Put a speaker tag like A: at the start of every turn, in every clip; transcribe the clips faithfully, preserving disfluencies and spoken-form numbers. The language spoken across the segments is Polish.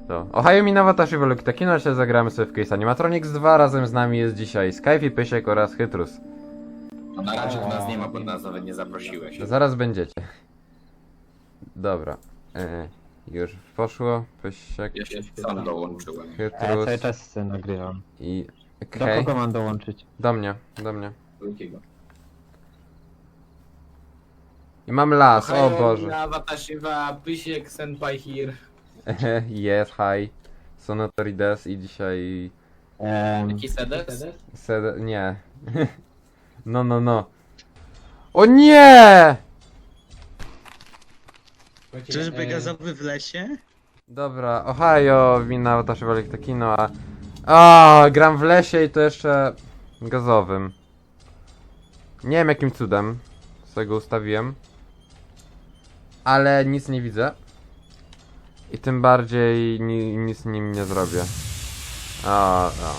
A: To. Ohio Minawa Tashi Veluki Takino, dzisiaj zagramy sobie w Case Animatronics dwa. Razem z nami jest dzisiaj Skype, Pysiek oraz Chytrus.
B: No na razie to nas nie ma, bo nas nawet nie zaprosiłeś.
A: Zaraz będziecie. Dobra. E, już poszło. Pysiek,
B: Ja się sam dołączyłem.
C: A ja
A: Chytrus
C: cały czas se nagrywam.
A: i...
C: Do
A: Okej.
C: kogo mam dołączyć?
A: Do mnie, do mnie.
B: Drugiego.
A: I mam las, o Boże.
D: Na Watashiwa, Pysiek, Senpai here.
A: Jest, hi. Sonotorides i dzisiaj...
C: Ehm,
D: Jaki sedes?
A: Sed... nie. No, no, no. O nie!
E: Czyżby gazowy w lesie?
A: Dobra, Ohio, wina Tashi Veluki Takino, a... A, gram w lesie i to jeszcze gazowym. Nie wiem jakim cudem z tego ustawiłem. Ale nic nie widzę. I tym bardziej ni nic nim nie zrobię. O, o.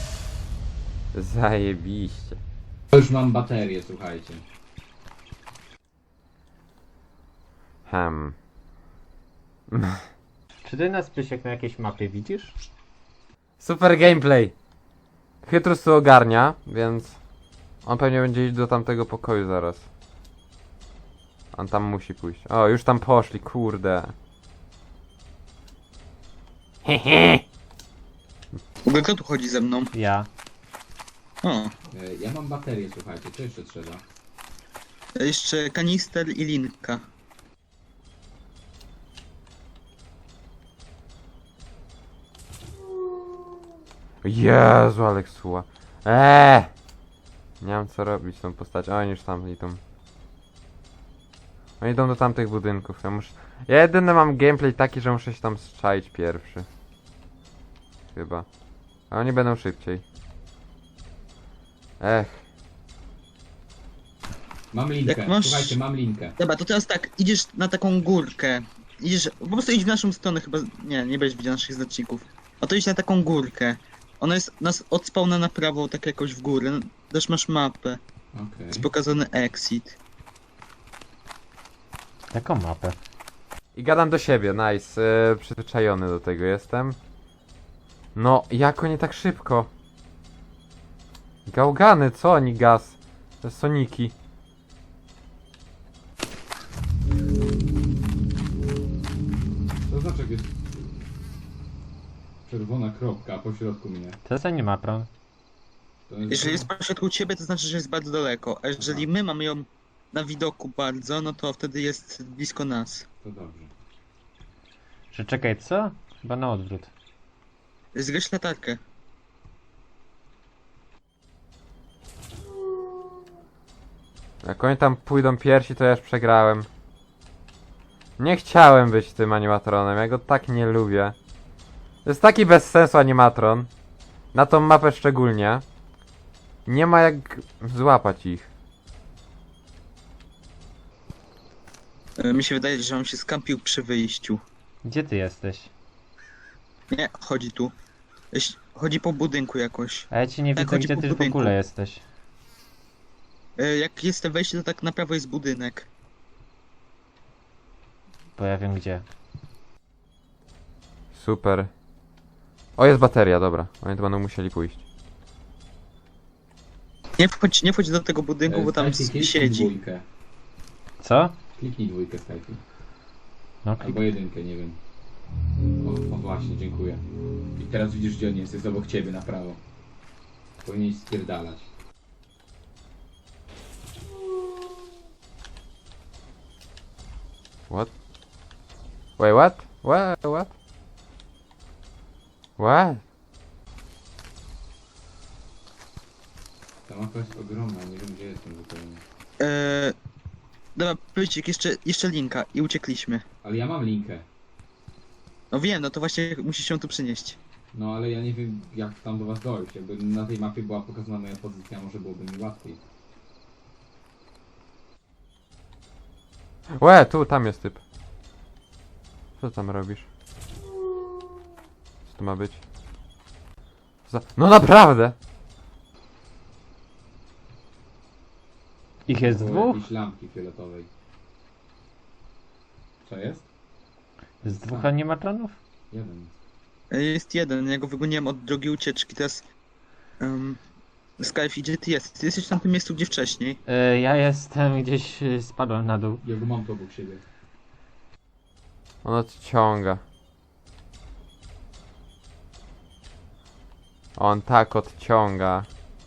A: Zajebiście.
F: Już mam baterię, słuchajcie.
A: Hem.
C: czy ty nas, Pysiek, na jakiejś mapie widzisz?
A: Super gameplay. Chytrus tu ogarnia, więc on pewnie będzie iść do tamtego pokoju zaraz. On tam musi pójść. O, już tam poszli, kurde. Hehe.
E: W ogóle kto tu chodzi ze mną?
C: Ja.
E: O,
F: E, Ja mam baterię, słuchajcie, co jeszcze trzeba?
E: jeszcze kanister i linka.
A: Jezu, Aleksuła. Eee! Nie mam co robić z tą postacią. Oni już tam idą. Oni idą do tamtych budynków. Ja muszę... Ja jedyny mam gameplay taki, że muszę się tam strzaić pierwszy. Chyba. A oni będą szybciej. Ech.
F: Mam linkę,
E: Jak masz-
F: słuchajcie, mam linkę.
E: Dobra, to teraz tak, idziesz na taką górkę. Idziesz, po prostu idź w naszą stronę chyba, nie, nie będziesz widział naszych znaczników. A to idź na taką górkę. Ona jest nas od spawna na prawo, tak jakoś w górę. Też masz mapę.
F: Okej.
E: Jest pokazany exit.
C: Jaką mapę?
A: I gadam do siebie, nice. Yy, przyzwyczajony do tego jestem. No, jak oni tak szybko? Gałgany, co oni gaz? To Soniki.
F: To znaczy, jak jest czerwona kropka, a po środku mnie.
C: To jest animatron.
F: To jest...
E: Jeżeli jest pośrodku ciebie, to znaczy, że jest bardzo daleko. A jeżeli my mamy ją na widoku bardzo, no to wtedy jest blisko nas.
F: To dobrze.
C: Że czekaj, co? Chyba na odwrót.
E: Zgaś latarkę.
A: Jak oni tam pójdą pierwsi, to ja już przegrałem. Nie chciałem być tym animatronem, ja go tak nie lubię. To jest taki bez sensu animatron. Na tą mapę szczególnie. Nie ma jak złapać ich.
E: E, Mi się wydaje, że on się skampił przy wyjściu.
C: Gdzie ty jesteś?
E: Nie, chodzi tu. Jeś- Chodzi po budynku jakoś.
C: A ja ci nie
E: Tak,
C: widzę,
E: chodzi
C: gdzie
E: po
C: ty w
E: budynku.
C: ogóle jesteś.
E: E, Jak jest to wejście, to tak na prawo jest budynek.
C: Bo ja wiem gdzie.
A: Super. O, jest bateria, dobra. Oni to będą musieli pójść.
E: Nie wchodź, nie wchodź do tego budynku,
F: E,
E: bo tam
F: Skype,
E: s-
F: kliknij
E: siedzi.
F: dwójkę.
C: Co?
F: Kliknij dwójkę Skype.
C: No,
F: Albo jedynkę, nie wiem. O, o właśnie, dziękuję. I teraz widzisz, gdzie on jest, jest obok ciebie, na prawo. Powinieneś spierdalać.
A: What? Wait, what? What? What? What?
F: Ta mapa jest ogromna, nie wiem, gdzie jestem zupełnie.
E: E, Dobra, Pycik, jeszcze, jeszcze linka i uciekliśmy.
F: Ale ja mam linkę.
E: No wiem, no to właśnie musisz się tu przynieść.
F: No ale ja nie wiem, jak tam do was dojść. Jakby na tej mapie była pokazana moja pozycja, może byłoby mi łatwiej.
A: Łe, tu, tam jest typ. Co tam robisz? Co to ma być? Za... No naprawdę!
C: Ich jest
F: Było
C: dwóch?
F: jakiejś lampki fioletowej. Co jest?
C: Z dwóch
F: A.
C: animatronów?
F: Jeden.
E: E, Jest jeden, ja go wygoniłem od drogi ucieczki, teraz... Um, Skype, gdzie ty jesteś? Ty jesteś w tamtym miejscu, gdzie wcześniej.
C: Y, ja jestem gdzieś, y, spadłem na dół.
F: Ja go mam tu obok siebie.
A: On odciąga. On tak odciąga.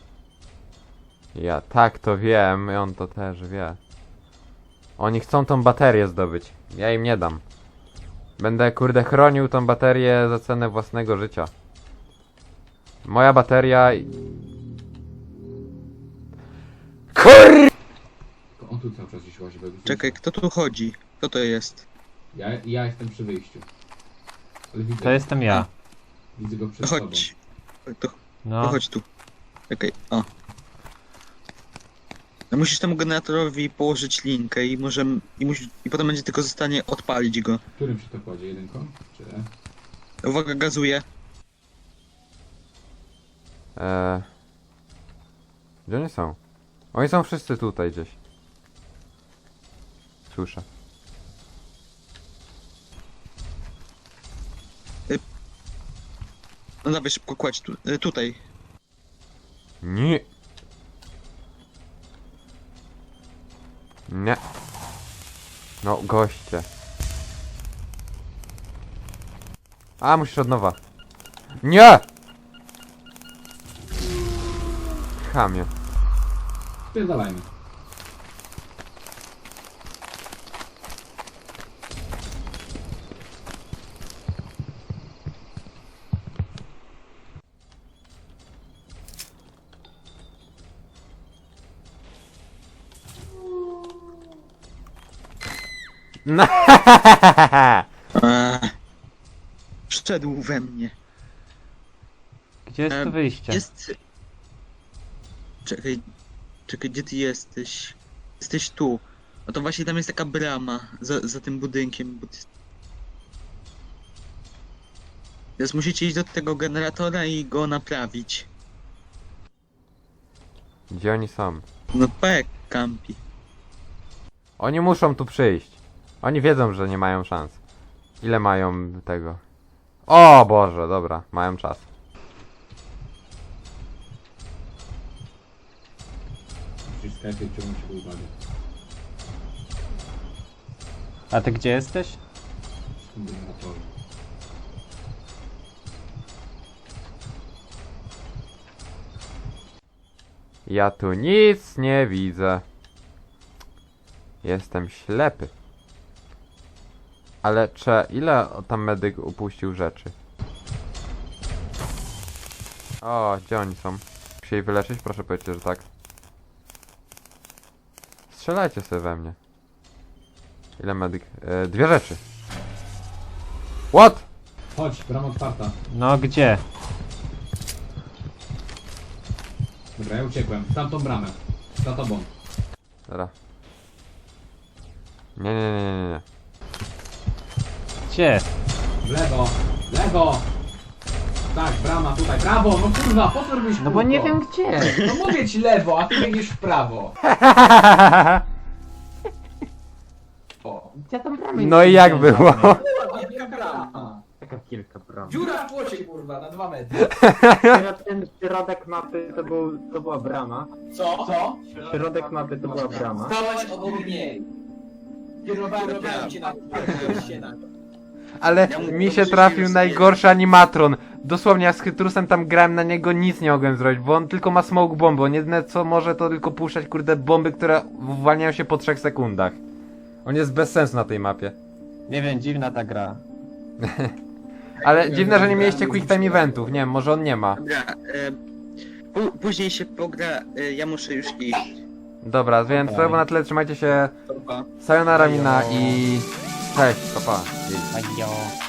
A: Ja tak to wiem i on to też wie. Oni chcą tą baterię zdobyć. Ja im nie dam. Będę kurde chronił tą baterię za cenę własnego życia. Moja bateria... i- Kur...
F: To on tu cały czas gdzieś łazi. bo ja go
E: Czekaj,
F: słyszę.
E: kto tu chodzi? Kto to jest?
F: Ja, ja jestem przy wyjściu. Ale widzę,
C: To jestem ja.
F: widzę go przed sobą.
E: Chodź. To, to
C: No,
E: chodź tu. Czekaj, o. No musisz temu generatorowi położyć linkę i możemy... I, musi, I potem będzie tylko zostanie odpalić go.
F: Którym się to kładzie? Jedynką? Czy E?
E: Uwaga, gazuje.
A: Eee... Gdzie oni są? Oni są wszyscy tutaj gdzieś. Słyszę.
E: No dawaj szybko kładź tu, y, tutaj.
A: Nie. Nie. No, goście. A, musisz od nowa. Nie! Chamie.
F: Spierdalajmy.
A: No.
E: Eee, wszedł we mnie.
C: gdzie jest tu
E: Em,
C: wyjście?
E: Jest... Czekaj, czekaj, gdzie ty jesteś? Jesteś tu. No to właśnie tam jest taka brama za, za tym budynkiem. Bo ty... Teraz musicie iść do tego generatora i go naprawić.
A: Gdzie oni są?
E: No pek, kampi.
A: Oni muszą tu przyjść. Oni wiedzą, że nie mają szans. Ile mają tego? O Boże, dobra, mają czas.
F: Musisz Skype ciągnąć jego uwagę.
C: A ty gdzie jesteś?
F: W tym generatorze.
A: Ja tu nic nie widzę. Jestem ślepy. Ale cze, ile tam medyk upuścił rzeczy? O, gdzie oni są? Muszę jej wyleczyć? Proszę powiedzieć, że tak. Strzelajcie sobie we mnie. Ile medyk? E, dwie rzeczy. What?
F: Chodź, brama otwarta.
C: No gdzie?
F: Dobra, ja uciekłem. W tamtą bramę. Za tobą.
A: Dobra. Nie, nie, nie, nie, nie.
C: Gdzie?
F: W lewo. W lewo. Tak, brama tutaj. Prawo, no kurwa, po co robisz
C: No bo nie
F: kółko?
C: wiem gdzie.
F: No mówię ci lewo, a ty biegniesz w prawo. O.
C: Gdzie tam bramy?
A: No i jak było?
D: Wielka brama.
C: Taka kilka bram.
D: Dziura w płocie, kurwa, na dwa metry.
C: Ten środek mapy to, był, to była brama.
D: Co? Co?
C: Środek mapy to była brama.
D: Stałaś obok niej. Kierowałem cię na cię na
A: Ale mi się trafił najgorszy animatron. Dosłownie, jak z Chytrusem tam grałem na niego, nic nie mogłem zrobić, bo on tylko ma smoke bomby. On jedyne co może to tylko puszczać kurde bomby, które uwalniają się po trzech sekundach. On jest bez sensu na tej mapie.
C: Nie wiem, dziwna ta gra.
A: Ale dziwne, że nie mieliście quick time eventów. Nie wiem, może on nie ma.
E: Dobra, e, pu- później się pogra, e, ja muszę już iść.
A: Dobra, więc to było na tyle. Trzymajcie się.
E: Pa.
A: Sayonara mina i... Cześć, papa. Pa.
C: Ajo.